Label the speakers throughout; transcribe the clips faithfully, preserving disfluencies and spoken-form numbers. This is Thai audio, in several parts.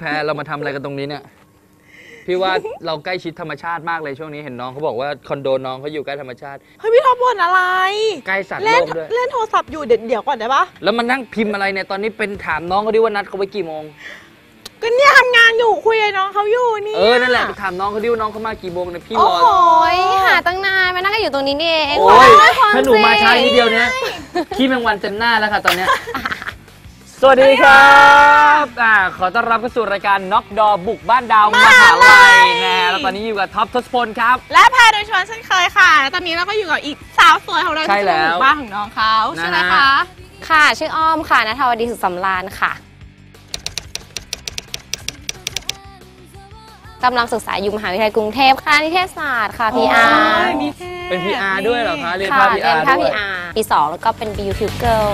Speaker 1: รเรามาทำอะไรกันตรงนี้เนี่ยพี่ว่าเราใกล้ชิดธรรมชาติมากเลยช่วงนี้เห็นน้องเขาบอกว่าคอนโดน้องเขาอยู่ใกล้ธรรมชาติ
Speaker 2: เฮ้ยพี่ท็อปบ่นอะไร
Speaker 1: ใกล้สัตว์โลกด้วย
Speaker 2: เล่นโทรศัพท์อยู่เดี๋ยวเดี๋ยวก่อนได้ปะ
Speaker 1: แล้วมันนั่งพิมพ์อะไรเนี่ยตอนนี้เป็นถามน้องเขาดิว่านัดเขาไว้กี่โมง
Speaker 2: ก็เนี่ยทำงานอยู่คุยกับน้องเขาอยู่นี่
Speaker 1: เออนั่นแหละไปถามน้องเขาดิว่าน้องเขามากี่โมงเนี่ยพี่รอ
Speaker 3: โอ้ยหาตั้งนานมานั่งกันอยู่ตรงนี้นี่เอง
Speaker 1: โอ้ยถ้าหนูมาช้านิดเดียวเนี่ยขี้แมงวันเต็มหน้าแล้วค่ะตอนเนี้ยสวัสดีครับอ่าขอต้อนรับเข้าสู่รายการน็อกดอบุกบ้านดาวมหาลัยนะแล้วตอนนี้อยู่กับท็อปทศพลครับ
Speaker 2: และแพรโดยชวนเช่นเคยค่ะแล้วตอนนี้เราก็อยู่กับอีกสาวสวยของเราที่จะบุกบ้านของน้องเขาใช่ไหมคะ
Speaker 3: ค่ะชื่ออ้อมค่ะณทวดีสุขสำราญค่ะกำลังศึกษาอยู่มหาวิทยาลัยกรุงเทพคณะนิเทศศาสตร์ค่ะ พี อาร์
Speaker 1: เป็น พี อาร์ ด้วยเหรอคะเรียนภาค พี อาร์ ด้วย
Speaker 3: ปีสองแล้วก็เป็น Beauty Girl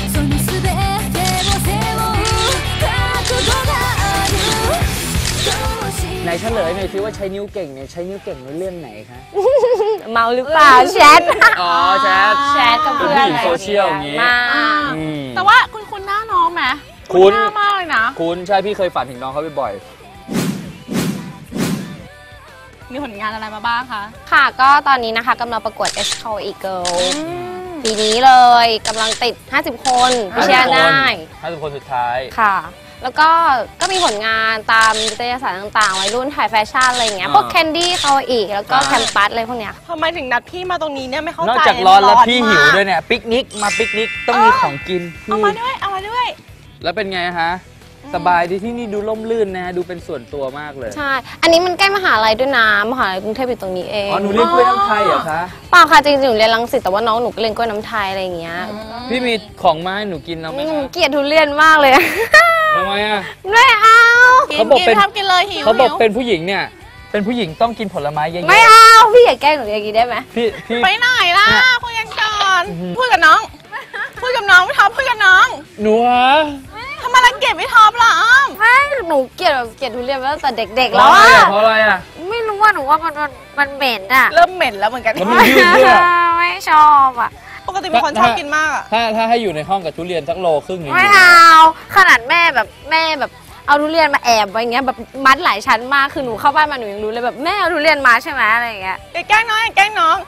Speaker 1: ไหนเฉลยหน่อยสิว่าใช้นิ้วเก่งเนี่ยใช้นิ้วเก่งในเรื่องไหนคะ
Speaker 3: เมาหรือเปล่าแชท
Speaker 1: อ๋อแชท
Speaker 3: แชทกับเพื่อน
Speaker 1: โซเชียลอย่างงี้
Speaker 2: แต่ว่าคุณคุณหน้าน้องไหม
Speaker 1: คุณ
Speaker 2: หน้ามากเลยนะ
Speaker 1: คุณใช่พี่เคยฝันถึงน้องเขาบ่อย
Speaker 2: มีผลงานอะไรมาบ้างคะ
Speaker 3: ค่ะก็ตอนนี้นะคะกำลังประกวด X Call Eagle ปีนี้เลยกำลังติดห้าสิบคนพิชญ์ได้
Speaker 1: ห้าสิบคนสุดท้าย
Speaker 3: ค่ะแล้วก็ก็มีผลงานตามนิตยสารต่างๆวัยรุ่นถ่ายแฟชั่นอะไรอย่างเงี้ยพวกแคนดี้เขาอีกแล้วก็แคมปัสอะไรพวกเนี้ย
Speaker 2: ทำไมถึงนัดพี่มาตรงนี้เนี่ยไม่เข้าใจ
Speaker 1: นอกจากร้อนแล้วพี่หิวด้วยเนี่ยปิกนิกมาปิกนิกต้องมีของกิน
Speaker 2: เอามาด้วยเอามาด้วย
Speaker 1: แล้วเป็นไงฮะสบายดีที่นี่ดูร่มรื่นนะดูเป็นส่วนตัวมากเลย
Speaker 3: ใช่อันนี้มันใกล้มหาลัยด้วยนะมหาลัยกรุงเทพอยู่ตรงนี้เอง
Speaker 1: อ๋อหนูเรียนกล้วยน้ำไทยเหรอคะ
Speaker 3: เปล่าค่ะจริงๆหนูเรียนรังสิตแต่ว่าน้องหนูก็เรียนกล้วยน้ำไทยอะไรอย่างเงี้ย
Speaker 1: พี่มีของมาให้หนูกินเอาไหม
Speaker 3: หนูเกลียดทุเรียนมากเลย
Speaker 1: ทำไมอ่ะ
Speaker 3: ไม่เอา
Speaker 1: เขาบอกเป็น
Speaker 2: กินเลยหิว
Speaker 1: เขาบอกเป็นผู้หญิงเนี่ยเป็นผู้หญิงต้องกินผลไม้เยอะๆ
Speaker 3: ไม่เอาพี่อย่าแกล้งหนูอย่างนี้ได้ไหม
Speaker 1: พี่พี่
Speaker 2: ไปไหนล่ะคุยกันก่อนพูดกับน้องพูดกับน้องไม่ท็อปพูดกับน้อง
Speaker 1: หนูฮะ
Speaker 2: ทำไมรังเกียจไม่ท็อปล่ะอ้อม
Speaker 3: ไม่หนูเกลียดแบบเกลียดทุเรียนมาตั้งแต่เด็กๆแล้วอะ
Speaker 1: เพราะอะไรอ่ะ
Speaker 3: ไม่รู้ว่าหนูว่ามันมันเหม็นอะ
Speaker 2: เริ่มเหม็นแล้วเหมือนกัน
Speaker 3: ไม่ชอบอะ
Speaker 2: ปกติเป็นคนชอบกินมากอะ
Speaker 1: ถ้าถ้าให้อยู่ในห้องกับทุเรียนสักโลครึ่ง
Speaker 3: ไม่เอาขนาดแม่แบบแม่แบบเอาทุเรียนมาแอบไว้อย่างเงี้ยแบบมัดหลายชั้นมากคือหนูเข้าบ้านมาหนูยังรู้เลยแบบแม่เอาทุเรียนมาใช่ไหมอะไรอย่างเงี้ย
Speaker 2: แกล้งน้องแกล้งน้อง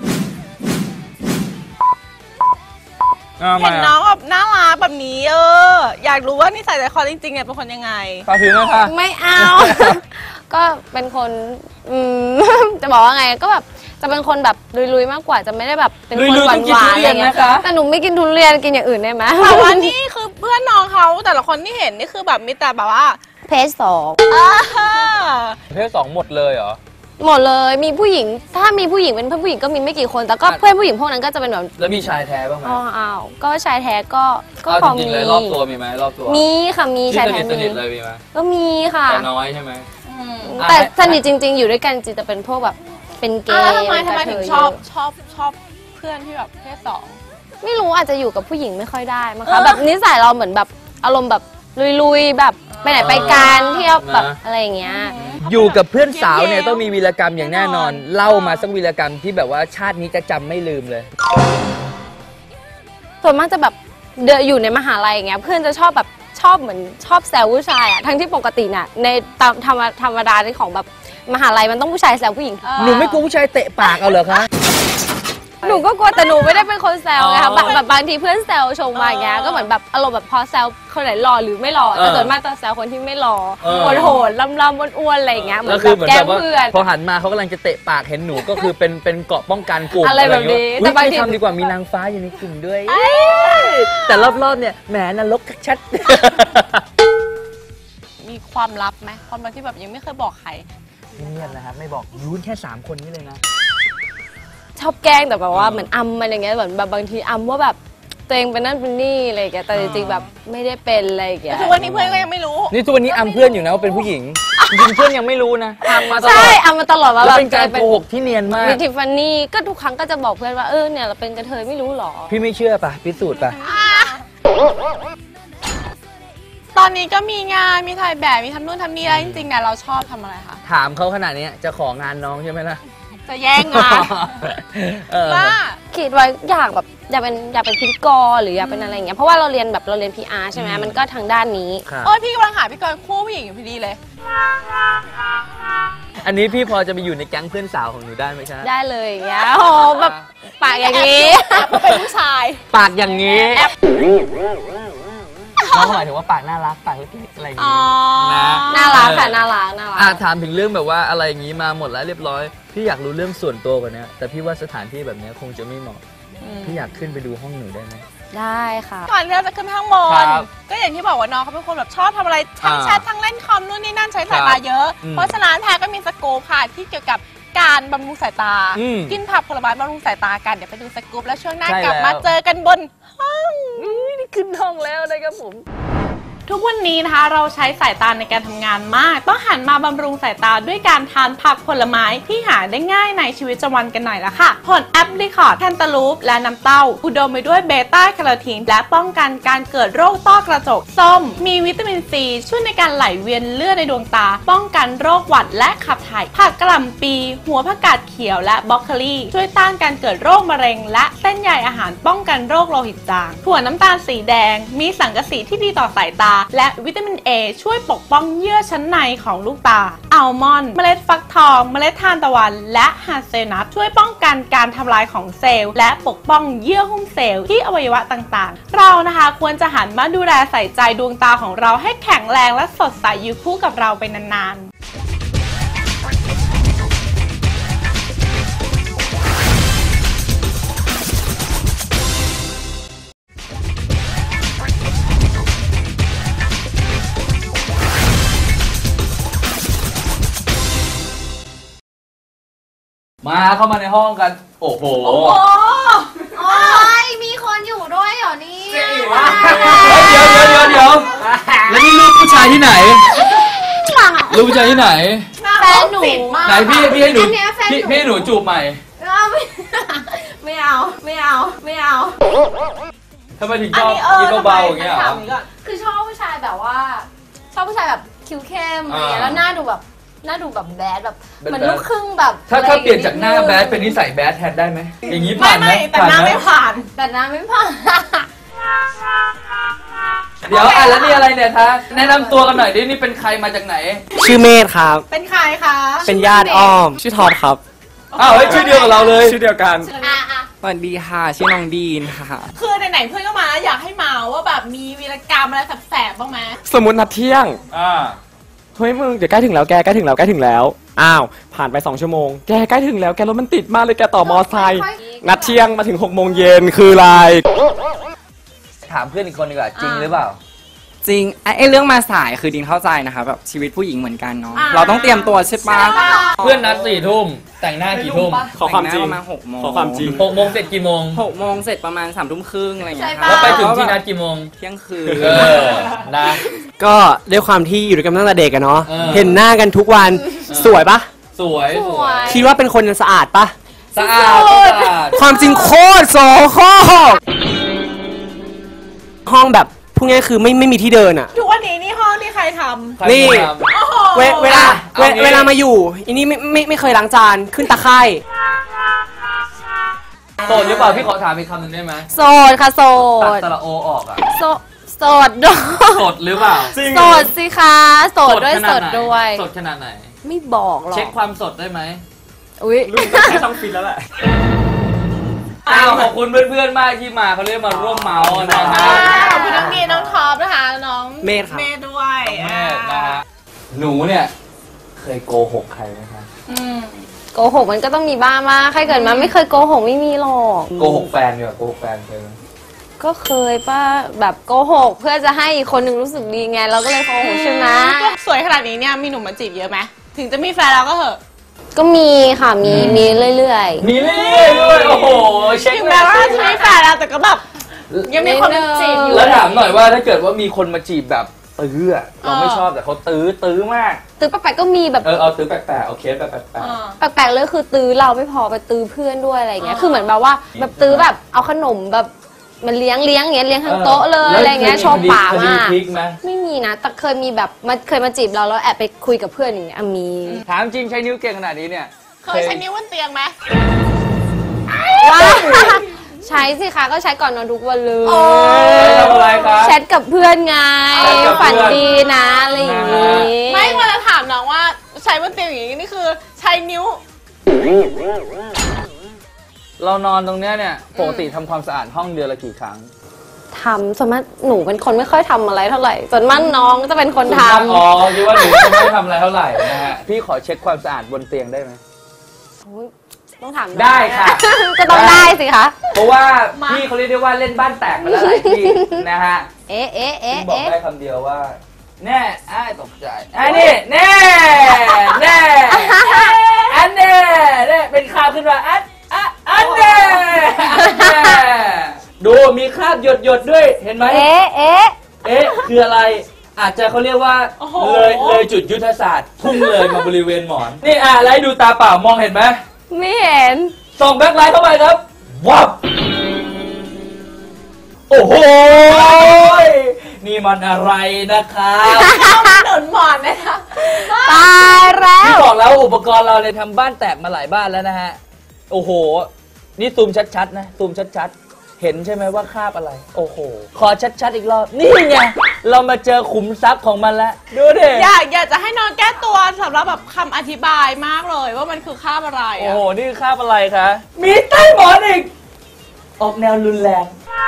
Speaker 2: เห็นน้องแบบน่ารักแบบนี้เอออยากรู้ว่านิสัยใจคอจริงๆเนี่ยเป็นคนยังไง
Speaker 1: พาผิวไหมคะ
Speaker 3: ไม่เอาก็เป็นคนอืมจะบอกว่าไงก็แบบจะเป็นคนแบบลุยๆมากกว่าจะไม่ได้แบบเป็นคนหวานหวานอะไรเงี้ยแต่หนูไม่กินทุเรียนกินอย่างอื่นได้ไหม
Speaker 2: แต่ว่านี่คือเพื่อนน้องเขาแต่ละคนที่เห็นนี่คือแบบมีแต่แบบว่า
Speaker 3: เพศสอง
Speaker 1: เพศสองหมดเลยเหรอ
Speaker 3: หมดเลยมีผู้หญิงถ้ามีผู้หญิงเป็นเพื่อนผู้หญิงก็มีไม่กี่คนแต่ก็เพื่อนผู้หญิงพวกนั้นก็จะเป็นแบบ
Speaker 1: แล้วมีชายแท้บ้างไหม
Speaker 3: อ๋ออ้าวก็ชายแท้ก็
Speaker 1: ก็พอมีรอบตัวมีไหมรอบตัว
Speaker 3: มีค่ะมีชายแท้
Speaker 1: มีสนิทเลยมีไหม
Speaker 3: ก็มีค่ะ
Speaker 1: แต่น้อยใช่ไหม
Speaker 3: แต่สนิทจริงๆอยู่ด้วยกันจริงจะเป็นพวกแบบเป็นเกย์
Speaker 2: ทำไมทำไมถึงชอบชอบชอบเพื่อนที่แบบเพศสอง
Speaker 3: ไม่รู้อาจจะอยู่กับผู้หญิงไม่ค่อยได้มั้งคะแบบนิสัยเราเหมือนแบบอารมณ์แบบลุยๆแบบไปไหนไปกันเที่ยวแบบอะไรอย่างเงี้ย
Speaker 1: อยู่กับเพื่อนสาวเนี่ยต้องมีวีรกรรมอย่างแน่นอนเล่ามาสักวีรกรรมที่แบบว่าชาตินี้จะจำไม่ลืมเลย
Speaker 3: ส่วนมากจะแบบเดินอยู่ในมหาลัยอย่างเงี้ยเพื่อนจะชอบแบบชอบเหมือนชอบแซวผู้ชายอะทั้งที่ปกติน่ะในตามธรรมธรรมดาที่ของแบบมหาลัยมันต้องผู้ชายแซวผู้หญิง
Speaker 1: หนูไม่กลัวผู้ชายเตะปากเอาเหรอคะ
Speaker 3: หนูก็กลัวแต่หนูไม่ได้เป็นคนแซวไงคะแบบบางทีเพื่อนแซวชมมาอย่างเงี้ยก็เหมือนแบบอารมณ์แบบพอแซวคนไหนหล่อหรือไม่หล่อแต่ส่วนมากจะแซวคนที่ไม่หล่อโหดๆลำๆอ้วนๆอะไรอย่างเงี้ยเหมือนแบบแกล้งเพื่อน
Speaker 1: พอหันมาเขากำลังจะเตะปากเห็นหนูก็คือเป็นเป็นเกาะป้องกันกลุ่ม
Speaker 3: อะไรแบบนี้
Speaker 1: แต่บางทีทำดีกว่ามีนางฟ้าอยู่ในกลุ่มด้วยแต่รอบๆเนี่ยแหมนรกชัด
Speaker 2: มีความลับไหมความลับที่แบบยังไม่เคยบอกใคร
Speaker 1: เงียบนะครับไม่บอกยูนแค่สามคนนี้เลยนะ
Speaker 3: ชอบแกล้งแต่แบบว่าเหมือนอำมันอย่างเงี้ยเหมือนแบบบางทีอำว่าแบบตัวเองเป็นนั่นเป็นนี่อะไรอย่างเงี้ยแต่จริงๆแบบไม่ได้เป็นอะไรอย่างเงี้ย
Speaker 2: ทุกวันนี้เพื่อนก็ยังไม่รู้
Speaker 1: นี่ทุกวันนี้อำเพื่อนอยู่นะว่าเป็นผู้หญิงจริงเพื่อนยังไม่รู้นะอำมาตลอด
Speaker 3: ใช่อำมาตลอดว่า
Speaker 1: แบบเป็นการโกหกที่เนียนมาก
Speaker 3: มีทิฟฟานี่ก็ทุกครั้งก็จะบอกเพื่อนว่าเออเนี่ยเราเป็นกระเทยไม่รู้หรอ
Speaker 1: พี่ไม่เชื่อป่ะพิสูจน์ป่ะ
Speaker 2: ตอนนี้ก็มีงานมีถ่ายแบบมีทำนู่นทำนี่แล้วจริงๆเนี่ยเราชอบทำอะไรคะ
Speaker 1: ถามเขาขนาดนี้จะของานน้องใช่ไหมล่ะ
Speaker 2: จะแย่งงานว่า
Speaker 3: คิดว่าอยากแบบอยากเป็นอยากเป็นพิธีกรหรืออยากเป็นอะไรอย่างเงี้ยเพราะว่าเราเรียนแบบเราเรียน พี อาร์ ใช่ไหมมันก็ทางด้านนี้
Speaker 2: โอ้ยพี่กำลังหาพี่กรณ์คู่ผู้หญิงอยู่พอดีเลย
Speaker 1: อันนี้พี่พอจะไปอยู่ในแก๊งเพื่อนสาวของหนูได้ไหมครับ
Speaker 3: ได้เลยอย่างเงี้ยโอ้โหแบบปากอย่างนี้
Speaker 2: เป็นผู้ชาย
Speaker 1: ปากอย่างนี้น้องหมายถึงว่าปากน่ารักปากเล็กๆอะไรอย่าง
Speaker 2: อ๋
Speaker 1: นี้
Speaker 2: อ
Speaker 1: นะ
Speaker 3: น่ารักค่ะน่ารักน่ารัก
Speaker 1: อ่ะถามถึงเรื่องแบบว่าอะไรอย่างนี้มาหมดแล้วเรียบร้อยพี่อยากรู้เรื่องส่วนตัวกว่านี้แต่พี่ว่าสถานที่แบบนี้คงจะไม่เหมาะพี่อยากขึ้นไปดูห้องหนูได้ไหม
Speaker 3: ได้ค่ะ
Speaker 2: ก่อนที่เราจะขึ้นไปข้างบน
Speaker 1: ครับ
Speaker 2: ก็อย่างที่บอกว่าน้องเขาเป็นคนแบบชอบทำอะไรทั้ง
Speaker 1: อ่า
Speaker 2: แชททั้งเล่นคอมนู่นนี่นั่นใช้สายตาเยอะ
Speaker 1: อืม
Speaker 2: เพราะฉะนั้นแพรก็มีสกู๊ปค่ะที่เกี่ยวกับการบำรุงสายตา
Speaker 1: อืม
Speaker 2: กินผักผลไม้บำรุงสายตากันเดี๋ยวไปดูสกู๊ปแล้วช่วงหน้า
Speaker 1: ใช่
Speaker 2: กลับ
Speaker 1: แล้ว
Speaker 2: มาเจอกันบนห้อง
Speaker 1: นี่ขึ้นห้องแล้วนะครับผม
Speaker 2: ทุกวันนี้นะคะเราใช้สายตาในการทำงานมาก ต้องหันมาบำรุงสายตาด้วยการทานผักผลไม้ที่หาได้ง่ายในชีวิตประจำวันกันหน่อยละค่ะ ผลแอปริคอร์ดแคนตาลูปและน้ำเต้า อุดมไปด้วยเบต้าแคโรทีนและป้องกันการเกิดโรคต้อกระจกส้ม มีวิตามินซีช่วยในการไหลเวียนเลือดในดวงตา ป้องกันโรคหวัดและขับถ่ายผักกะหล่ำปี หัวผักกาดเขียวและบรอกโคลีช่วยต้านการเกิดโรคมะเร็ง และเส้นใยอาหารป้องกันโรคโลหิตจางถั่วน้ำตาลสีแดง มีสังกะสีที่ดีต่อสายตา และวิตามิน เอ ช่วยปกป้องเยื่อชั้นในของลูกตา อัลมอนด์ เมล็ดฟักทอง เมล็ดทานตะวัน และฮาเซลนัทช่วยป้องกันการทำลายของเซลล์ และปกป้องเยื่อหุ้มเซลล์ที่อวัยวะต่างๆ เรานะคะควรจะหันมาดูแลใส่ใจดวงตาของเราให้แข็งแรงและสดใสอยู่คู่กับเราไปนานๆ
Speaker 1: มาเข้ามาในห้องกัน โอ้โห
Speaker 2: โอ้โห
Speaker 3: โอ้ยมีคนอยู่ด้วยเหรอนี่
Speaker 1: เดี๋ยวเดี๋ยวเดี๋ยวเดี๋ยวแล้วนี่ลูกผู้ชายที่ไหนลูกผู้ชายที่ไหน
Speaker 3: แฟนหนู
Speaker 1: ไหนพี่พี่ให้หนู
Speaker 3: อันเนี้ยแฟนหนู
Speaker 1: พี่พี่ให้หนูจูบใหม่
Speaker 3: ไม่เอาไม่เอาไม่เอา
Speaker 1: ทำไมถึงช
Speaker 2: อัน
Speaker 1: อบ
Speaker 2: นี้เออ
Speaker 1: กินเบาๆอย่างเงี้ยเหรอ
Speaker 2: ทำไมถามนี้ก่อน
Speaker 3: คือชอบผู้ชายแบบว่า ชอบผู้ชายแบบคิ้วเข้มอะไรเงี้ย
Speaker 1: อ่า
Speaker 3: แล้วหน้าดูแบบหน้าดูแบบแบดแบบ
Speaker 1: เป็น
Speaker 3: เหมือน
Speaker 1: แบด
Speaker 3: ลูกครึ่งแบบ
Speaker 1: ถ้า
Speaker 3: อะไร
Speaker 1: ถ้าเปลี่ยนจากหน้า
Speaker 3: ดง
Speaker 1: แบดเป็นนิสัยแบดแทนได้ไหมอย่างนี้
Speaker 2: ไม่
Speaker 1: ผ่านไหม
Speaker 2: ไม่แต่หน้า
Speaker 1: ไหม
Speaker 2: ไม่ผ่าน
Speaker 3: แต่หน้าไม่ผ่าน
Speaker 1: เดี๋ยวอ่ะแล้วนี่อะไรเนี่ยคะแนะนำตัวกันหน่อยดินี่เป็นใครมาจากไหน
Speaker 4: ชื่อเมธครับ
Speaker 2: เป็นใครคะ
Speaker 4: เป็นญาติอ้อม ชื่อทอดครับ
Speaker 1: อ้าวเฮ้ยชื่อเดียวกับเราเลย
Speaker 4: ชื่อเดียวกัน
Speaker 3: อ่ะอ่ะ
Speaker 4: สวัสดีค่ะ ชื่อน้องดีนค่ะ
Speaker 2: คือไหนๆเพื่อนก็มาอยากให้มาว่าแบบมีวีรกรรมอะไรแสบๆบ้างไหม
Speaker 4: สมมตินัดเที่ยง
Speaker 1: อ่า
Speaker 4: เฮ้ยมึง เดี๋ยวใกล้ถึงแล้วแก ใกล้ถึงแล้ว ใกล้ถึงแล้ว อ้าว ผ่านไปสองชั่วโมง แกใกล้ถึงแล้ว แกรถมันติดมากเลย แกต่อมอไซค์ นัดเที่ยงมาถึงหกโมงเย็นคืออะไร
Speaker 1: ถามเพื่อนอีกคนดีกว่าจริงหรือเปล่า
Speaker 5: จริงไอ้ไอ้เรื่องมาสายคือดินเข้าใจนะคะแบบชีวิตผู้หญิงเหมือนกันเนาะ
Speaker 2: อ่า
Speaker 5: เราต้องเตรียมตัวใช่ปะ
Speaker 1: เพื่อนนัดสี่ทุ่มแต่งหน้ากี่ทุ่ม
Speaker 4: ขอความจริง
Speaker 5: แต่งหน้ประมาณหกโมง
Speaker 4: ขอความจริง
Speaker 1: หกโมงเสร็จกี่โมง
Speaker 5: หกโมงเสร็จประมาณสามทุ่มครึ่งอะไรอย่างเงี้ย
Speaker 3: ใช่
Speaker 1: แล้ว
Speaker 3: ปะ
Speaker 1: ไปถึงที่นัดกี่โมง
Speaker 5: เที่ยงคืน
Speaker 1: เออนะ
Speaker 4: ก็ด้วยความที่อยู่ด้วยกันตั้งแต่เด็กอะเนาะ
Speaker 1: เออ
Speaker 4: เห็นหน้ากันทุกวัน สวยปะ
Speaker 1: สวย
Speaker 3: สวย
Speaker 4: คิดว่าเป็นคนสะอาดปะ
Speaker 1: สะอาดสะอาด
Speaker 4: ความจริงโคตรโสโครกห้องแบบพูดง่ายๆคือไม่ไม่มีที่เดินอะ
Speaker 2: ทุกวันนี้นี่ห้องที่ใครท
Speaker 1: ใคร
Speaker 4: นี่
Speaker 1: ทำ
Speaker 2: ำโอ้โห
Speaker 4: เวเวลา
Speaker 1: เอา
Speaker 4: เว
Speaker 1: งี้
Speaker 4: เวลามาอยู่อันนี้ไม่ไม่ไม่เคยล้างจานขึ้นตะไคร่
Speaker 1: โสดหรือเปล่าพี่ขอถามอีกคำหนึ่งได้ไหม
Speaker 3: โสดค่ะโส
Speaker 1: ตัด
Speaker 3: ด
Speaker 1: สระโอออกอะ
Speaker 3: โสดโสดด้วย
Speaker 1: โสดหรือเปล่า
Speaker 3: โสดสิคะโสดด้วย
Speaker 1: ข
Speaker 3: โส
Speaker 1: นา
Speaker 3: ด
Speaker 1: ไหน
Speaker 3: ด้วย
Speaker 1: สดขนาดไหน
Speaker 3: ไม่บอกหรอก
Speaker 1: เช็คความสดได้ไหม
Speaker 3: อุ้ย
Speaker 4: ต้องฟินแล้วแหละ
Speaker 1: อ้าวขอบคุณเพื่อนๆมากที่มาเขาเรียกมาร่วมเมาส์นะฮะ
Speaker 2: ขอบคุณน้องดีน้องท็อปนะคะน้อง
Speaker 4: เมธครับ
Speaker 2: เมธด้วย
Speaker 1: แม่นะฮะหนูเนี่ย เคยโกหกใครไหมคะ
Speaker 2: อืม
Speaker 3: โกหกมันก็ต้องมีบ้างมาใครเกิดมาไม่เคยโกหกไม่มีหรอก
Speaker 1: โกหกแฟนเนี่ยโกหกแฟนเคยไหม
Speaker 3: ก็เคยป่ะแบบโกหกเพื่อจะให้อีกคนนึงรู้สึกดีไงเราก็เลยโกหกใช่ไหม
Speaker 2: ก็สวยขนาดนี้เนี่ยมีหนุ่มมาจีบเยอะไหมถึงจะมีแฟนแล้วก็เหอะ
Speaker 3: ก็มีค่ะมีมีเรื่อย
Speaker 1: มีเรื่อยๆด้วยโอ้โหเช็ค
Speaker 2: ถึงแม้ว่าจะมีแฟนแล้วแต่ก็แบบยังมีคนมาจีบอยู่
Speaker 1: แล้วถามหน่อยว่าถ้าเกิดว่ามีคนมาจีบแบบตื้ออะเราไม่ชอบแต่เขาตื้อตื้อมาก
Speaker 3: ๆตื้อแปลกๆก็มีแบบ
Speaker 1: เออเอาตื้อแปลกๆเอาเคสแบบแปลก
Speaker 2: อ่า
Speaker 3: แปลกๆเลยคือตื้อเราไม่พอไปตื้อเพื่อนด้วยอะไรเงี้ยคือเหมือนแบบว่าแบบตื้อแบบเอาขนมแบบมันเลี้ยงเลี้ยงเงี้ยเลี้ยง
Speaker 1: ๆ
Speaker 3: ทั้งโต๊ะเลยอะไรเงี้ยโชว์ป่า
Speaker 1: คดี
Speaker 3: มาก
Speaker 1: พลิกไหม
Speaker 3: ไม่มีนะแต่เคยมีแบบมันเคยมาจีบเราแล้วแอบไปคุยกับเพื่อนอย่างเงี้ยอ่ะมี
Speaker 1: ถามจริงใช้นิ้วเก่งขนาดนี้เนี่ย
Speaker 2: เคยใช้นิ้วบนเตียงไหม
Speaker 3: ว่าสิคะก็ใช้ก่อนนอนทุกวันเลย
Speaker 2: โอ้
Speaker 1: ทำอะไรครับ
Speaker 3: แชทกับเพื่อนไง
Speaker 1: แชทกับเพื่อน
Speaker 3: ฝันดีนะอะไรอย่างงี้
Speaker 2: ไม่เวลาถามน้องว่าใช้บนเตียงอย่างนี้นี่คือใช้นิ้ว
Speaker 1: เรานอนตรงเนี้ยเนี่ยปกติทำความสะอาดห้องเดือนละกี่ครั้ง
Speaker 3: ทำส่วนมากหนูเป็นคนไม่ค่อยทำอะไรเท่าไหร่ส่วนมากน้องจะเป็นคนทำ
Speaker 1: อ๋อคิดว่าหนูจะไม่ทำอะไรเท่าไหร่นะฮะพี่ขอเช็คความสะอาดบนเตียงได้ไหม
Speaker 3: อุ๊ยต้องถามน้อง
Speaker 1: ได้ค่ะ
Speaker 3: ก็ต้องได้สิคะ
Speaker 1: เพราะว่า
Speaker 2: มา
Speaker 1: พี่เขาเรียกได้ว่าเล่นบ้านแตกมาแล้วหลายที่นะฮะ
Speaker 3: เอ๊ะเอ๊ะเอ๊ะ
Speaker 1: พี่บอก
Speaker 3: เอ๊ะ
Speaker 1: ได้คำเดียวว่า แน่อ้ายตกใจอันนี้แน่แน่อันแน่แน่เป็นข่าวขึ้นมาอันอันอันแน่อันแน่ดูมีคราบหยดหยดๆด้วยเห็นไหม
Speaker 3: เอ๊ะเอ๊ะ
Speaker 1: เอ๊ะคืออะไรอาจจะเขาเรียกว่า
Speaker 2: โอ้โห
Speaker 1: เลยเลยจุดยุทธศาสตร์พุ่งเลยมาบริเวณหมอน นี่อ่ะไลท์ดูตาเปล่ามองเห็นไหม
Speaker 3: ไม่เห็น
Speaker 1: ส่องแบ็คไลท์เข้าไปครับวับโอ้โหนี่มันอะไรนะครับ
Speaker 2: หนุนหมอนนะคะ
Speaker 3: ตายแล้ว
Speaker 1: พี่บอกแล้วอุปกรณ์เราเนี่ยทำบ้านแตกมาหลายบ้านแล้วนะฮะโอ้โหนี่ซูมชัดๆนะซูมชัดๆเห็นใช่ไหมว่าคราบอะไรโอ้โหขอชัดๆอีกรอบนี่ไงเรามาเจอขุมทรัพย์ของมันแล้วดูดิ
Speaker 2: อยากอยากจะให้น้องแก้ตัวสำหรับแบบคำอธิบายมากเลยว่ามันคือคาบอะไร
Speaker 1: โอ้
Speaker 2: อะ
Speaker 1: โห นี่คือคราบอะไรคะ มีใต้หมอนอีก ออกแนวรุนแรง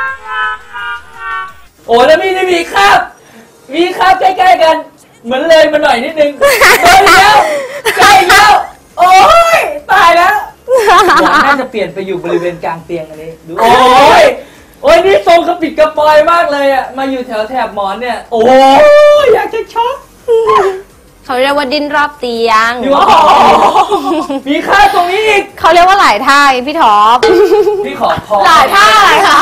Speaker 1: โอ้แล้วมีนี่มีคราบ มีคราบใกล้ๆกัน เหมือนเลยมาหน่อยนิดนึงโดนแล้วใกล้แล้ว โอ้ย ตายแล้วหมอนน่าจะเปลี่ยนไปอยู่บริเวณกลางเตียงอันนี้ดูโอ้ย โอ้ย นี่ทรงกระปิดกระปอยมากเลยอะมาอยู่แถวแถบหมอนเนี่ย โอ้ย อยากจะช็อก
Speaker 3: เขาเรียกว่าดิ้นรอบเตียง
Speaker 1: อยู่ว่ามีคราบตรงนี้อีก
Speaker 3: เขาเรียกว่าหลายท่าพี่ท็อป
Speaker 1: พี่ขอพอ
Speaker 3: หลายท่าเลยค่ะ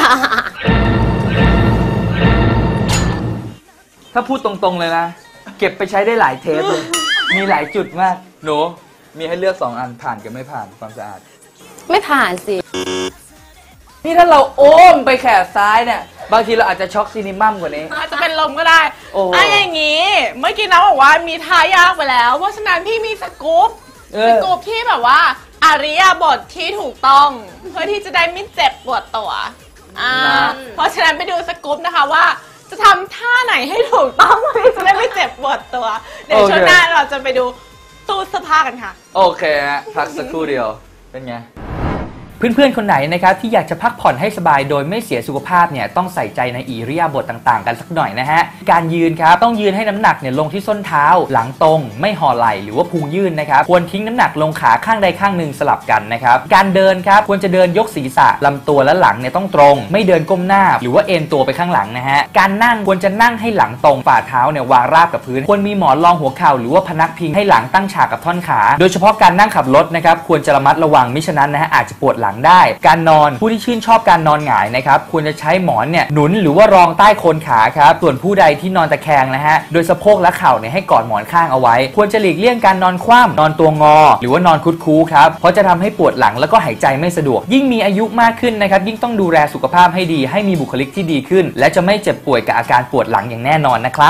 Speaker 1: ถ้าพูดตรงๆเลยนะ เก็บไปใช้ได้หลายเทปเลย มีหลายจุดมาก หนู มีให้เลือกสองอันผ่านกับไม่ผ่านความสะอาด
Speaker 3: ไม่ผ่านสิ
Speaker 1: นี่ถ้าเราโอ้มไปแขนซ้ายเนี่ย บางทีเราอาจจะช็อกซีนิมัมกว่านี้
Speaker 2: อาจจะเป็นลมก็ได้
Speaker 1: โอ้โห
Speaker 2: อ่ะอย่างนี้ เมื่อกี้น้องบอกว่ามีท่ายากไปแล้ว เพราะฉะนั้นพี่มีสกู๊ป
Speaker 1: เอ
Speaker 2: ส
Speaker 1: อ
Speaker 2: กู๊ปที่แบบว่าอาริยาบทที่ถูกต้อง เพื่อที่จะได้ไม่เจ็บปวดตัวอ่าเพราะฉะนั้นไปดูสกู๊ปนะคะว่า จะทำท่าไหนให้ถูกต้องเพื่อที่จะได้ไม่เจ็บปวดตัว เดี๋ยวช่วงหน้าเราจะไปดูตู้เสื้อผ้ากันค่ะ
Speaker 1: โอเคฮะ พักสักครู่เดียว เป็นไง เพื่อนๆ คนไหนนะครับที่อยากจะพักผ่อนให้สบายโดยไม่เสียสุขภาพเนี่ยต้องใส่ใจในอิริยาบถต่างๆ กันสักหน่อยนะฮะการยืนครับต้องยืนให้น้ำหนักเนี่ยลงที่ส้นเท้าหลังตรงไม่ห่อไหล่หรือว่าพุงยื่นนะครับควรทิ้งน้ำหนักลงขาข้างใดข้างหนึ่งสลับกันนะครับการเดินครับควรจะเดินยกศีรษะลำตัวและหลังเนี่ยต้องตรงไม่เดินก้มหน้าหรือว่าเอ็นตัวไปข้างหลังนะฮะการนั่งควรจะนั่งให้หลังตรงฝ่าเท้าเนี่ยวางราบกับพื้นควรมีหมอนรองหัวเข่าหรือว่าพนักพิงให้หลังตั้งฉากกับท่อนขาโดยเฉพาะการนั่งขับรถนะครับควรจะระมัดระวังมิฉะนั้นนะฮะอาจจะปวดหลังได้การนอนผู้ที่ชื่นชอบการนอนหงายนะครับควรจะใช้หมอนเนี่ยหนุนหรือว่ารองใต้โคนขาครับส่วนผู้ใดที่นอนตะแคงนะฮะโดยสะโพกและเข่าเนี่ยให้กอดหมอนข้างเอาไว้ควรจะหลีกเลี่ยงการนอนคว่ำนอนตัวงอหรือว่านอนคุดคู้ครับเพราะจะทำให้ปวดหลังแล้วก็หายใจไม่สะดวกยิ่งมีอายุมากขึ้นนะครับยิ่งต้องดูแลสุขภาพให้ดีให้มีบุคลิกที่ดีขึ้นและจะไม่เจ็บป่วยกับอาการปวดหลังอย่างแน่นอนนะครับ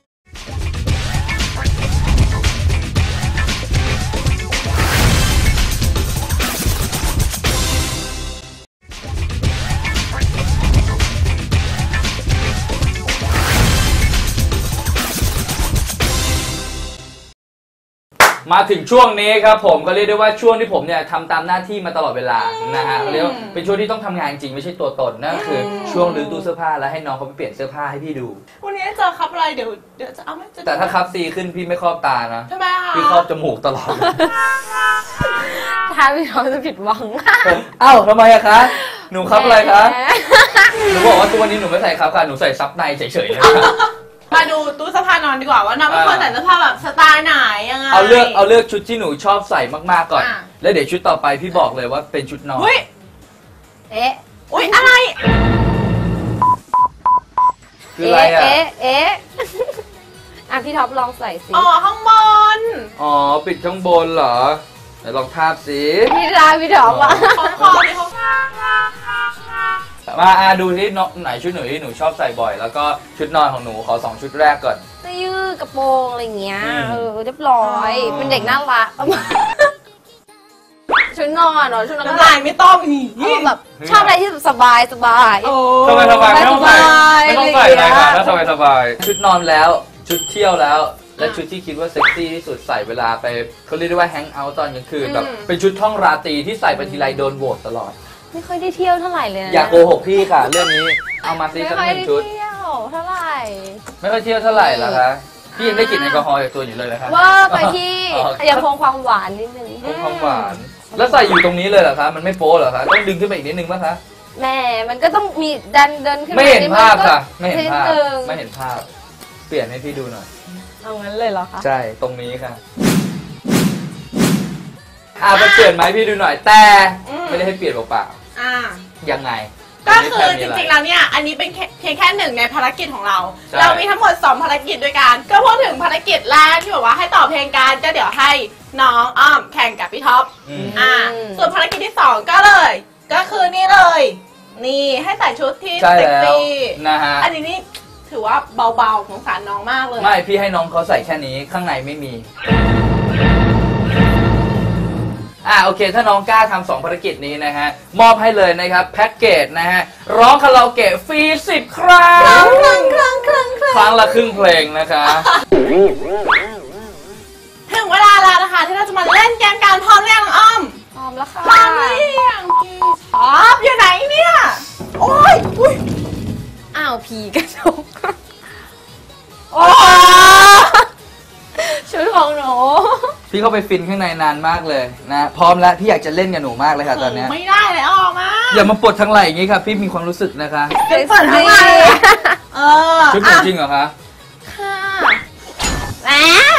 Speaker 1: มาถึงช่วงนี้ครับผมก็เรียกได้ว่าช่วงที่ผมเนี่ยทำตามหน้าที่มาตลอดเวลานะฮะเรียกว่าเป็นช่วงที่ต้องทำงานจริงไม่ใช่ตัวตนนั่นคือช่วงรื้อตู้เสื้อผ้าแล้วให้น้องเขาไปเปลี่ยนเสื้อผ้าให้พี่ดู
Speaker 2: วันนี้เจอครับอะไรเดี๋ยวเดี๋ยวจะเอาไม่จะ
Speaker 1: แต่ถ้าคับซีขึ้นพี่ไม่ครอบตานะ
Speaker 2: ทำไมคะ
Speaker 1: พี่ครอบจมูกตลอด
Speaker 3: ถ้าพี่ท็อปจะผิดหวัง
Speaker 1: เอ้าทำไมอะคะหนูครับอะไรคะหนูบอกว่าทุกวันนี้หนูไม่ใส่ครับค่ะหนูใส่ซับในเฉยๆเลยค่ะ
Speaker 2: มาดูตู้เสื้อผ้านอนดีกว่าว่าน้องเป็นคนแต่งเสื้อผ้าแบบสไตล์ไหนยังไง
Speaker 1: เอาเลือกเอาเลือกชุดที่หนูชอบใส่มากๆก่อน
Speaker 2: อ่ะ
Speaker 1: แล้วเดี๋ยวชุดต่อไปพี่บอกเลยว่าเป็นชุดนอน
Speaker 2: อุ้ย
Speaker 3: เอ๊ะ
Speaker 2: อุ้ยอะไร
Speaker 1: คืออะไรอะ
Speaker 3: เอ๊ะเอ๊ะอ่ะพี่ท็อปลองใส่สิ
Speaker 2: อ๋อข้างบน
Speaker 1: อ๋อปิดข้างบนเหรอไหนลองทาบสิ
Speaker 3: พี่รายพี่ท็อปอ่ะ
Speaker 2: ของคอที่เขา
Speaker 1: มาอ่ะดูที่น้องไหนชุดหนูที่หนูชอบใส่บ่อย แล้วก็ชุดนอนของหนูขอสองชุดแรกก่อน
Speaker 3: เสื้อยืดกระโปรงอะไรอย่างเงี้ย
Speaker 1: อืม
Speaker 3: เออเรียบร้อย เป็นเด็กน่ารักชุดนอนเหรอชุดนอน
Speaker 2: น้ำลายไม่ต้องนี่
Speaker 3: เอาแบบชอบอะไรที่สบายสบาย
Speaker 2: โอ้
Speaker 1: สบายสบายไม่ต้องใส่
Speaker 3: สบาย
Speaker 1: ไม่ต้องใส่อะไรค่ะ
Speaker 3: อะไรอย่างเงี้ย
Speaker 1: ถ้าสบายสบายชุดนอนแล้วชุดเที่ยวแล้ว และชุดที่คิดว่าเซ็กซี่ที่สุดใส่เวลาไปเขาเรียกได้ว่าแฮงเอาท์ตอนกลางคืนแบบเป็นชุดท่องราตรีที่ใส่ไปทีไรโดนโหวตตลอด
Speaker 3: ไม่ค่อยได้เที่ยวเท่าไหร่เลยนะ
Speaker 1: อย่าโกหกพี่ค่ะ เรื่องนี้เอามาซิ
Speaker 3: ไม่
Speaker 1: สัก
Speaker 3: ค่อย
Speaker 1: หนึ่
Speaker 3: ได้
Speaker 1: งชุด
Speaker 3: เที่ยวเท่าไหร่
Speaker 1: ไม่ค่อยเที่ยวเท่าไหร่เหรอคะพี่ยังได้กลิ่นแอลกอฮอล์จากตัวอยู่เลยนะคะ
Speaker 3: ว่าไปที่
Speaker 1: อ๋อ
Speaker 3: ยังคงความหวานนิดนึง
Speaker 1: คงความหวานแล้วใส่อยู่ตรงนี้เลยเหรอคะมันไม่โป๊เหรอคะต้องดึงขึ้นไปอีกนิดนึงป่ะคะ
Speaker 3: แม่มันก็ต้องมีดันเดินขึ้น
Speaker 1: ไม่เห็น
Speaker 3: ด
Speaker 1: ภาพ
Speaker 3: ก็
Speaker 1: ค่ะไม่เห็นภาพ
Speaker 3: ดง
Speaker 1: ไม่เห็นภาพ เปลี่ยนให้พี่ดูหน่อย
Speaker 3: เอางั้นเลยเหรอคะ
Speaker 1: ใช่ตรงนี้ค่ะอ่าไปเปลี่ยนไหมพี่ดูหน่อยแต่ ไม่ได้ให้เปลี่ยนเปล่า
Speaker 2: อ่า
Speaker 1: ๆยังไง
Speaker 2: ก็คือจ
Speaker 1: ไม่ได้
Speaker 2: ริงๆ
Speaker 1: แค่มีะไ
Speaker 2: แล้วเนี่ย อันนี้เป็นแค่เพียงแค่หนึ่งในภารกิจของเรา
Speaker 1: ใช่
Speaker 2: เรามีทั้งหมดสองภารกิจด้วยกัน ก็พูดถึงภารกิจแรกที่บอกว่าให้ต่อเพลงกันก็เดี๋ยวให้น้องอ้อมแข่งกับพี่ท็อป
Speaker 1: อืม
Speaker 2: อ่า ส่วนภารกิจที่สองก็เลย ก็คือนี่เลย นี่ให้ใส่ชุดที่
Speaker 1: ใช่
Speaker 2: เซ็ก
Speaker 1: แล้ว
Speaker 2: ซี่
Speaker 1: นะฮะ
Speaker 2: อันนี้นี่ถือว่าเบาๆสงสารน้องมากเลย
Speaker 1: ไม่พี่ให้น้องเขาใส่แค่นี้ข้างในไม่มีอ่าโอเค ถ้าน้องกล้าทำสองภารกิจนี้นะฮะมอบให้เลยนะครับแพ็กเกจนะฮะร้องคาราโอเกะฟรีสิบครั้ง
Speaker 2: ครั้งครั้งครั้งครั้ง
Speaker 1: ครั้งละครึ่งเพลงนะคะ
Speaker 2: ถึงเวลาแล้วนะคะ ที่เราจะมาเล่นเกมการพร้อมเรียงน้องอ้อม
Speaker 3: พร้อมแล้วค่ะ
Speaker 2: พร้อมหรือยังพี่ท็อปอยู่ไหนเนี่ย โอ้ยอุ้ย
Speaker 3: อ้าวผีกระจก
Speaker 2: โอ้
Speaker 3: ชุดของหนู
Speaker 1: พี่เข้าไปฟินข้างในนานมากเลยนะพร้อมแล้วพี่อยากจะเล่นกับหนูมากเลยค่ะตอนเนี้ย
Speaker 2: ไม่ได้เลยออกมา
Speaker 1: อย่ามาปลดทางไหล่อย่างงี้ค่ะพี่มีความรู้สึกนะคะ
Speaker 2: เป็นเปิดทั้งวันเลยเออ
Speaker 1: ชุดหนูจริงเหรอคะ
Speaker 3: ค่ะแหม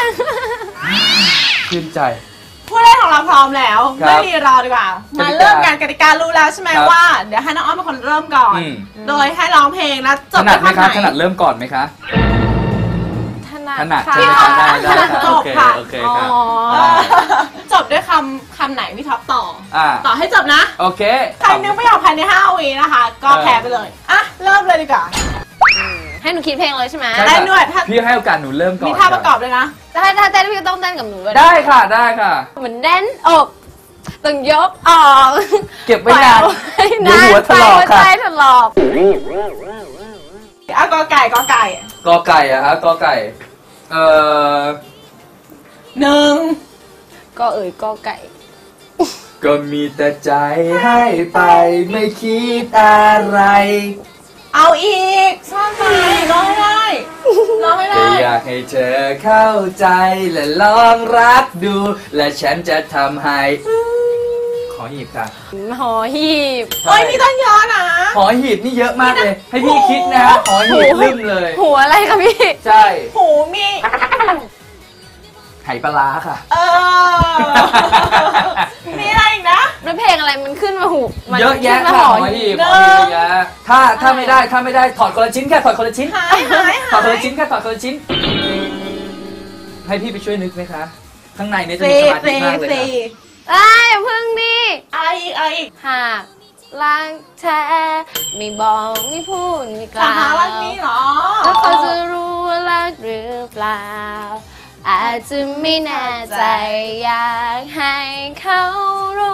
Speaker 1: ชื่นใจ
Speaker 2: ผู้เล่นของเราพร้อมแล้ว
Speaker 1: ครับ
Speaker 2: ไม่รีรอดีกว่า
Speaker 1: กติกา
Speaker 2: มาเริ่มกันกติการู้แล้วใช่ไหม
Speaker 1: ครับ
Speaker 2: ว่า เดี๋ยวให้น้องอ้อมเป็นคนเริ่มก่อน
Speaker 1: อืม
Speaker 2: โดยให้ร้องเพลงแล้วจ
Speaker 1: ถ
Speaker 2: บ
Speaker 1: นัดไหมคะ
Speaker 2: ด้วย
Speaker 1: ถนัดเริ่มก่อนไหมคะ
Speaker 3: ถนัด
Speaker 1: ถนัด
Speaker 3: ค่ะ
Speaker 1: ใช่ไหมคะได้ได้ค่ะ
Speaker 2: จ
Speaker 1: โอบ เค
Speaker 2: ค่ะ
Speaker 1: โอเค
Speaker 3: อ๋อ
Speaker 1: ค่ะ
Speaker 2: เออจบด้วยคำคำไหนพี่ท็อปต่อ
Speaker 1: อ่า
Speaker 2: ต่อให้จบนะ
Speaker 1: โอเค
Speaker 2: ใครนึกไม่ออกภายในห้าวินะคะ ก็แพ้ไปเลย อ่ะ เริ่มเลยดีกว่า
Speaker 3: ให้หนูคิดเพลงเลยใช่ไหม
Speaker 1: ใช่
Speaker 2: ได้
Speaker 1: ค่ะ
Speaker 2: ด้วยถ้า
Speaker 1: พี่ให้โอกาสหนูเริ่มก่อน
Speaker 2: มีท่าประกอบเลยนะ
Speaker 3: ถ้าถ้าเต้นพี่ก็ต้องเต้นกับหนูด้วยนะ
Speaker 1: ได้ค่ะได้ค่ะ
Speaker 3: เหมือนแน่นอกต้องยกออก
Speaker 1: เก็บไว้นาน
Speaker 3: เดี๋
Speaker 1: เดี๋ยวหัวถลอกค่ะ
Speaker 3: ใจถลอก
Speaker 2: อ่ะกอไก่กอไก่
Speaker 1: กอไก่อะฮะกอไก่ เอ่อ
Speaker 2: หนึ่ง
Speaker 3: ก็เอ่ยก็ไก่
Speaker 1: ก็มีแต่ใจให้ไปไม่คิดอะไร
Speaker 2: เอาอีกซ่อนไหมร้องให้ได้ร้องให้
Speaker 1: แค่
Speaker 2: ได้
Speaker 1: อยากให้เธอเข้าใจและลองรักดู และฉันจะทำให้ ขอหีบค่ะ
Speaker 3: หอหีบ
Speaker 2: โอ้ยนี่ต้องย้อนนะ
Speaker 1: ขอหีบนี่เยอะมากเลย ให้พี่คิดนะฮะขอหีบลืมเลย
Speaker 3: หัวอะไรคะพี่
Speaker 1: ใช่
Speaker 2: หูมี
Speaker 1: ไหปลาร้าค่ะ
Speaker 2: เออ มีอะไรอีกนะ
Speaker 3: แล้วเพลงอะไรมันขึ้นมาหูมัน
Speaker 1: เยอะแยะ
Speaker 3: ขึ้นมา
Speaker 1: ค่ะ
Speaker 3: ห
Speaker 1: ข
Speaker 3: อ
Speaker 1: อ
Speaker 3: หี
Speaker 1: หี
Speaker 3: บบ
Speaker 1: ขอหีบเยอะถ้าถ้าไม่ได้ถ้าไม่ได้ถอดคนละชิ้นแค่ถอดคนละชิ้น
Speaker 2: หายหาย
Speaker 1: ถอ
Speaker 2: หา
Speaker 1: ดคน
Speaker 2: ย
Speaker 1: ละชิ้นแค่ถอดคนละชิ้น ให้พี่ไปช่วยนึกไหมคะ ข้างในเนี่ยจะมี
Speaker 2: สี่
Speaker 1: สมาธิ
Speaker 2: สี่
Speaker 1: มากเลย
Speaker 2: สี่
Speaker 1: ค่ะ
Speaker 3: อ้ายอย่าพึ่งดิ
Speaker 2: อะไรอีกอะไรอีก
Speaker 3: หากรักแท้ไม่บอกไม่พูดไม่ก
Speaker 2: สา
Speaker 3: ล่า
Speaker 2: หารัก
Speaker 3: ว
Speaker 2: นี้เหรอ
Speaker 3: แล้วเขาจะรู้ว่ารักหรือเปล่า อาจจะไม่แน่ใจอยากให้เขารู้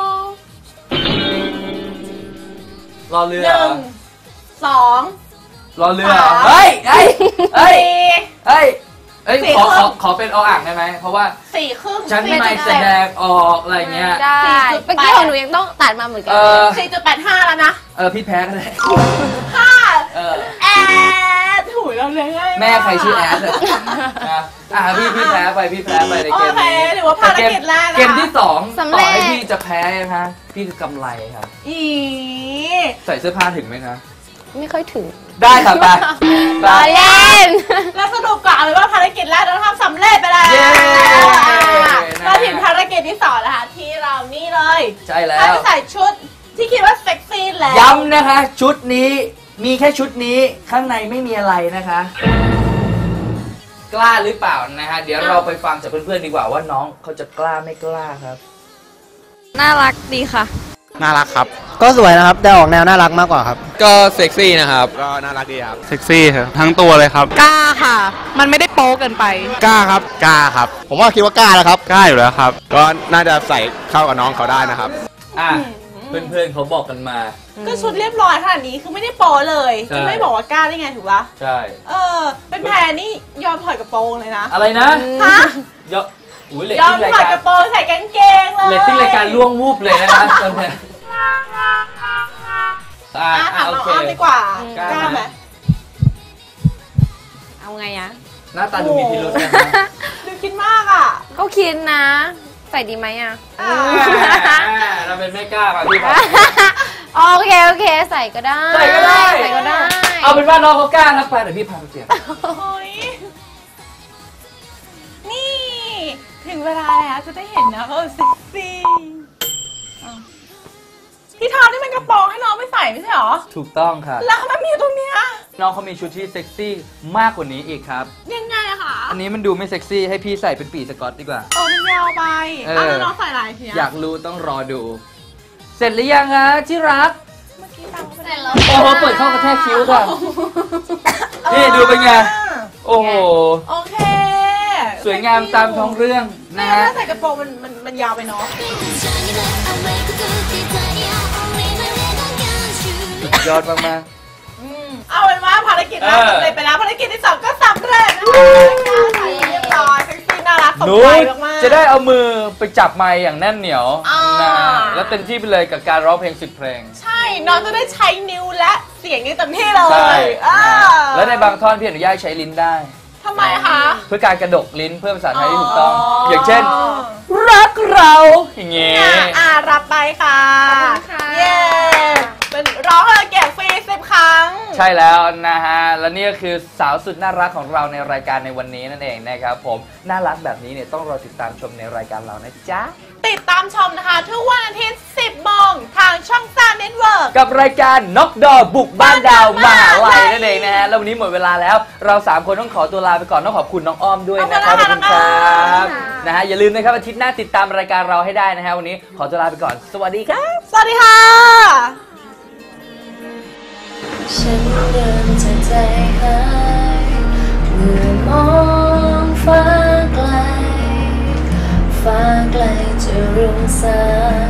Speaker 1: รอเรือ
Speaker 2: หนึ่งสอง
Speaker 1: รอเรือ
Speaker 2: สาม
Speaker 1: เฮ้ยเฮ้ยเฮ้ย
Speaker 2: สี่
Speaker 1: เฮ้ยเอ้ย
Speaker 2: สี่
Speaker 1: ขอ
Speaker 2: ค
Speaker 1: ข
Speaker 2: รึ่
Speaker 1: อง ขอเป็นออ่างได้ไหม เพราะว่า
Speaker 2: สี่ครึ่ง
Speaker 1: ฉันไม่แสดงออกอะไรเงี้ย
Speaker 3: ได้
Speaker 2: สี่จุดแปด
Speaker 3: เมื่อกี้ของหนูยังต้องตัดมาเหมือนกั
Speaker 1: เออ
Speaker 2: สี่จุดแปดห้าแล้วนะ
Speaker 1: เออพี่แพ้ก็ได้
Speaker 2: ห้า
Speaker 1: เออ
Speaker 2: แอดถุยเราเลยง่ายาก
Speaker 1: แม่ใครชื่อแอดอะนะอ่ะพี่พี่แพ้ไปพี่แพ้ไปในเกม
Speaker 2: โอเค
Speaker 1: นี้
Speaker 2: ถือว่าภารกิจแรกนะคะ
Speaker 1: เกมที่สอง
Speaker 3: สำ
Speaker 1: ต่
Speaker 3: เร็
Speaker 1: อ
Speaker 3: จ
Speaker 1: ให้พี่จะแพ้นะคะพี่คือกำไรครับ
Speaker 2: อี
Speaker 1: ใส่เสื้อผ้าถึงไหมคะ
Speaker 3: ไม่ค่อยถึง
Speaker 1: ได้ครับไป
Speaker 3: รอเล่น
Speaker 2: แล้วสรุปก่อนเลยว่าภารกิจแรกเราทำสำเร็จไปแล้ว
Speaker 1: เย้
Speaker 2: มาถึงภารกิจที่สองนะคะที่เรานี่เลย
Speaker 1: ใช่แล้
Speaker 2: ให้
Speaker 1: ว
Speaker 2: ไปใส่ชุดที่คิดว่าเซ็กซี่แล้ว
Speaker 1: ย้ำนะคะ ชุดนี้มีแค่ชุดนี้ข้างในไม่มีอะไรนะคะ กล้าหรือเปล่านะฮะเดี๋ยวเราไปฟังจากเพื่อนๆดีกว่าว่าน้องเขาจะกล้าไม่กล้าครับ
Speaker 3: น่ารักดีค่ะ
Speaker 6: น่ารักครับ
Speaker 7: ก็สวยนะครับ แต่ออกแนวน่ารักมากกว่าครับ
Speaker 6: ก็เซ็กซี่นะครับ ก็น่ารักดีครับ เซ็กซี่ครับ ทั้งตัวเลยครับ
Speaker 2: กล้าค่ะ มันไม่ได้โป๊เกินไป
Speaker 6: กล้าครับ กล้าครับ
Speaker 7: ผมว่าคิดว่ากล้าแล้วครับ
Speaker 6: กล้าอยู่แล้วครับ ก็น่าจะใส่เข้ากับน้องเขาได้นะครับ
Speaker 1: อ่ะเพื่อนๆเขาบอกกันมา
Speaker 2: ก็ชุดเรียบร้อยขนาดนี้คือไม่ได้โป๊เลย
Speaker 1: ใช่
Speaker 2: จะไม่บอกว่ากล้าได้ไงถูกปะ
Speaker 1: ใช่
Speaker 2: เออ เป็นแพรนี่ยอมถอดกระโปรงเลยนะ
Speaker 1: อะไรนะ
Speaker 2: ฮะ
Speaker 1: ยอดอุ้ยเรต
Speaker 2: ยอ
Speaker 1: ติ้
Speaker 2: ม
Speaker 1: งราย
Speaker 2: ถอด
Speaker 1: การ
Speaker 2: กระโปรงใส่กางเกงเลย
Speaker 1: เรตติ้งรายการล่วงวูบเลยนะครับตอนนี้อ่า
Speaker 2: อ่ะ
Speaker 1: อ่า
Speaker 2: ถาม
Speaker 1: โอ
Speaker 2: น้อง
Speaker 1: เค
Speaker 2: อ้อมดีกว่า
Speaker 1: กล้าก
Speaker 2: ล้าไห
Speaker 1: ไห
Speaker 2: ม
Speaker 1: ม
Speaker 3: เอาไงอะ
Speaker 1: หน้าตาดูมีพิรุธนะ
Speaker 2: ดูคิดมากอ่ะ
Speaker 3: ก็คิดนะ ใส่ดีไหมอะ
Speaker 2: อ่า
Speaker 1: เราเป็นไม่กล้าป่ะพี่ครับ
Speaker 3: โอเคโอเค ใส่ก็ได้
Speaker 1: ใส่ก็ได้
Speaker 3: ใส่ก็ได้
Speaker 1: เอาเป็นว่าน้องเขากล้านะไปเดี๋ยวพี่พาไปเปลี่ยน
Speaker 2: โอ้ยนี่ ถึงเวลาแล้วจะได้เห็นนะเออเซ็กซี่อ้าวพี่ทาวนี่มันกระโปรงให้น้องไม่ใส่ไม่ใช่หรอ
Speaker 1: ถูกต้องครับ
Speaker 2: แล้วมันมีอยู่ตรงเนี้ย
Speaker 1: น้องเขามีชุดที่เซ็กซี่มากกว่านี้อีกครับ
Speaker 2: ยังไงอะคะ
Speaker 1: อันนี้มันดูไม่เซ็กซี่ให้พี่ใส่เป็นปีสกอตดีกว่า
Speaker 2: โอ้มันยาวไป
Speaker 1: เออ
Speaker 2: อ้าวแล้วน้องใส่อะไรทีเนี้ย
Speaker 1: อยากรู้ต้องรอดู เสร็จหรือยังฮะที่รัก
Speaker 2: เมื่อกี้ตามเขาไป
Speaker 3: เสร็จแล้ว
Speaker 1: โอ้โหเปิดเข้ากระแทกคิ้วค่ะ นี่ดูเป็นไง โอ้โห
Speaker 2: โอเค
Speaker 1: สวยงามตามท้องเรื่อง
Speaker 2: นะ
Speaker 1: นะ
Speaker 2: ฮะ
Speaker 1: ฮะ
Speaker 2: ใส่กระโปรงมันมันมันยาวไปเนาะ
Speaker 1: สุดยอดมาก
Speaker 2: อืมเอาเป็นว่าภารกิจแรก
Speaker 1: เออ
Speaker 2: สำเร็จไปแล้วภารกิจที่สองก็สำเร็จนะคะใส่เรียบร้อยเซ็กซี่น่ารักส
Speaker 1: ๆ
Speaker 2: ม
Speaker 1: หนู
Speaker 2: ใจมากๆ
Speaker 1: จะได้เอามือไปจับไมค์อย่างแน่นเหนียว
Speaker 2: อ่าน
Speaker 1: นะแล้วเต็มที่ไปเลยกับการร้องเพลงสิบเพลง
Speaker 2: ใช่น้องจะได้ใช้นิ้วและเสียงนี้เต็มที่เล
Speaker 1: ใช่
Speaker 2: ยอ่า
Speaker 1: แล้วในบางท่อนพี่อนุญาตให้ใช้ลิ้นได้
Speaker 2: ทำไมคะ
Speaker 1: เพื่อการกระดกลิ้นเพื่อภาษาไทยที่ถูกต้อง
Speaker 2: อ๋อ
Speaker 1: อ
Speaker 2: อย่าง
Speaker 1: เช่น รักเราอย่างเงี้ย
Speaker 2: อ่ะอ่ารับไปค่ะ
Speaker 3: ขอบคุณค่ะ
Speaker 2: เย้เป็นร้องเลยเก็บฟรีสิบครั้ง
Speaker 1: ใช่แล้วนะฮะ และนี่ก็คือสาวสุดน่ารักของเราในรายการในวันนี้นั่นเองนะครับผม น่ารักแบบนี้เนี่ยต้องรอติดตามชมในรายการเรานะจ๊ะ
Speaker 2: ติดตามชมนะคะ ทุกวันอาทิตย์สิบโมงทางช่องสามเน็ตเวิร์ก
Speaker 1: กับรายการน็อกดอบุกบ้านดาวมหาลัยนั่นเองนะฮะ แล้ววันนี้หมดเวลาแล้ว เราสามคนต้องขอตัวลาไปก่อน ต้องขอบคุณน้องอ้อมด้วยนะครับ ขอบคุณครับนะฮะ อย่าลืมนะครับอาทิตย์หน้าติดตามรายการเราให้ได้นะฮะ วันนี้ขอตัวลาไปก่อน สวัสดีครับ
Speaker 2: สวัสดีค่ะ
Speaker 8: ฉันเดินจากใจหายเมื่อมองฟ้าไกล ฟ้าไกลจะรุ่งสาง